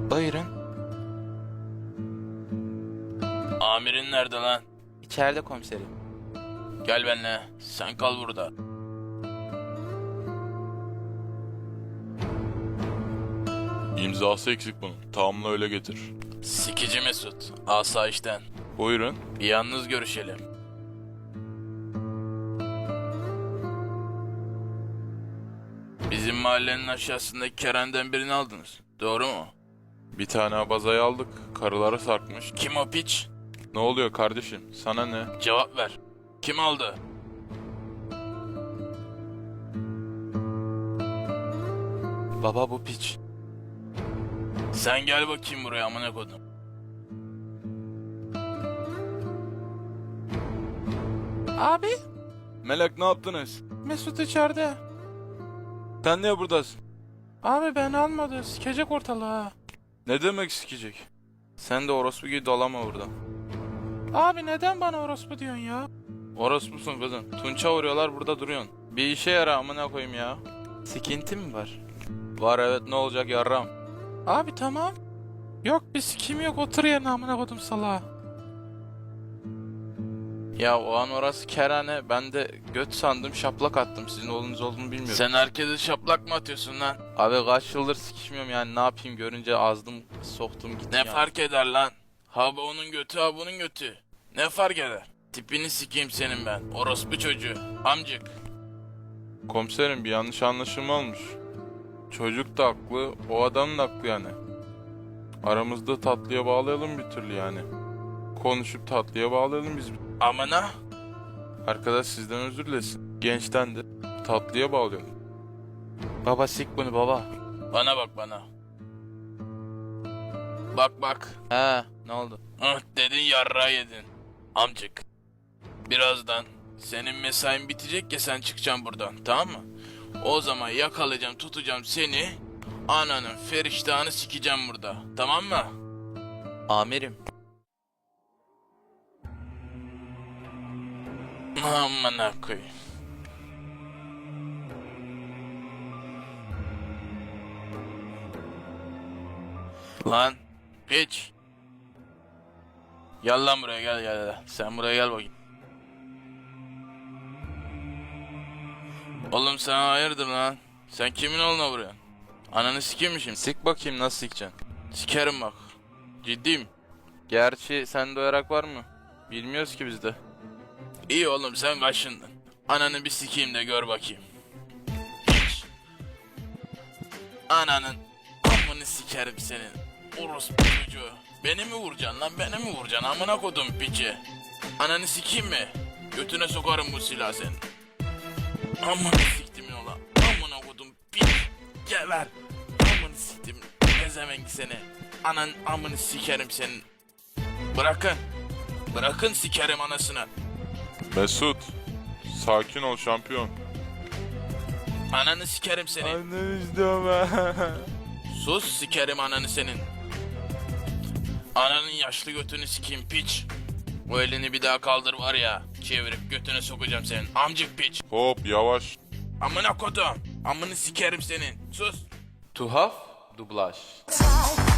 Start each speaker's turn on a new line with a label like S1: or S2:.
S1: Buyurun.
S2: Amirin nerede lan?
S1: İçeride komiserim.
S2: Gel benimle. Sen kal burada.
S3: İmzası eksik bunun. Tamamla öyle getir.
S2: Sikici Mesut. Asayişten.
S3: Buyurun.
S2: Bir yalnız görüşelim. Bizim mahallenin aşağısındaki kerenden birini aldınız. Doğru mu?
S3: Bir tane abazayı aldık. Karıları sarkmış.
S2: Kim o piç?
S3: Ne oluyor kardeşim? Sana ne?
S2: Cevap ver. Kim aldı?
S1: Baba bu piç.
S2: Sen gel bakayım buraya amına kodum.
S1: Abi
S3: Melek ne yaptınız?
S1: Mesut içeride.
S3: Sen niye buradasın?
S1: Abi ben almadı. Sikecek ortalığı.
S3: Ne demek sikecek? Sen de orospu gibi dolama burada.
S1: Abi neden bana orospu diyorsun ya?
S3: Orospusun kızım. Tunça vuruyorlar burada duruyorsun. Bir işe yara amına koyayım ya.
S1: Sikinti mi var?
S3: Var evet ne olacak yarram.
S1: Abi tamam. Yok bir sikim yok, otur yerine amına kodum salağa.
S3: Ya o an orası kerane. Ben de göt sandım şaplak attım. Sizin oğlunuz olduğunu bilmiyorum.
S2: Sen herkese şaplak mı atıyorsun lan?
S3: Abi kaç yıldır sikişmiyorum yani ne yapayım görünce azdım soktum gittim
S2: Ne
S3: yani.
S2: fark eder lan? Ha bu onun götü ha bunun götü. Ne fark eder? Tipini sikeyim senin ben. Orospu çocuğu. Amcık.
S3: Komiserim bir yanlış anlaşılma olmuş. Çocuk da haklı, o adam da haklı yani. Aramızda tatlıya bağlayalım bir türlü yani. Konuşup tatlıya bağlayalım biz.
S2: Amına.
S3: Arkadaş sizden özür dilesin. Gençten de tatlıya bağlayalım.
S1: Baba sik bunu baba.
S2: Bana bak bana. Bak bak.
S1: He ne oldu?
S2: Ah dedin yarrağı yedin. Amcık. Birazdan senin mesain bitecek ya sen çıkacaksın buradan tamam mı? O zaman yakalayacağım tutacağım seni. Ananın feriştahını sikeceğim burada. Tamam mı?
S1: Amirim.
S2: Amına koyayım. Lan piç. Gel lan buraya gel. Sen buraya gel bakayım. Oğlum sen hayırdır lan? Sen kimin oğluna vuruyorsun? Ananı sikeyim mi şimdi?
S3: Sik bakayım nasıl sikeceksin.
S2: Sikerim bak. Ciddiyim.
S3: Gerçi sende yarak var mı? Bilmiyoruz ki biz de.
S2: İyi oğlum sen kaşındın. Ananı bir sikeyim de gör bakayım. Hiç. Ananın amını sikerim senin. Orospu çocuğu. Beni mi vuracaksın lan beni mi vuracaksın amına kodum piçi. Ananı sikeyim mi? Götüne sokarım bu silahı senin. Amını siktimin ola. Amına kodum piç. Geber. Amını siktim. Gezemenk seni. Anan amını sikerim senin. Bırakın. Bırakın sikerim anasını.
S3: Mesut, sakin ol şampiyon.
S2: Ananı sikerim seni.
S3: Anne istiyorum
S2: Sus sikerim ananı senin. Ananın yaşlı götünü sikeyim piç. O elini bir daha kaldır var ya. Çevirip götüne sokacağım senin. Amcık piç.
S3: Hop yavaş.
S2: Amına kodum. Amını sikerim senin. Sus.
S1: Tuhaf dublaj.
S4: Talk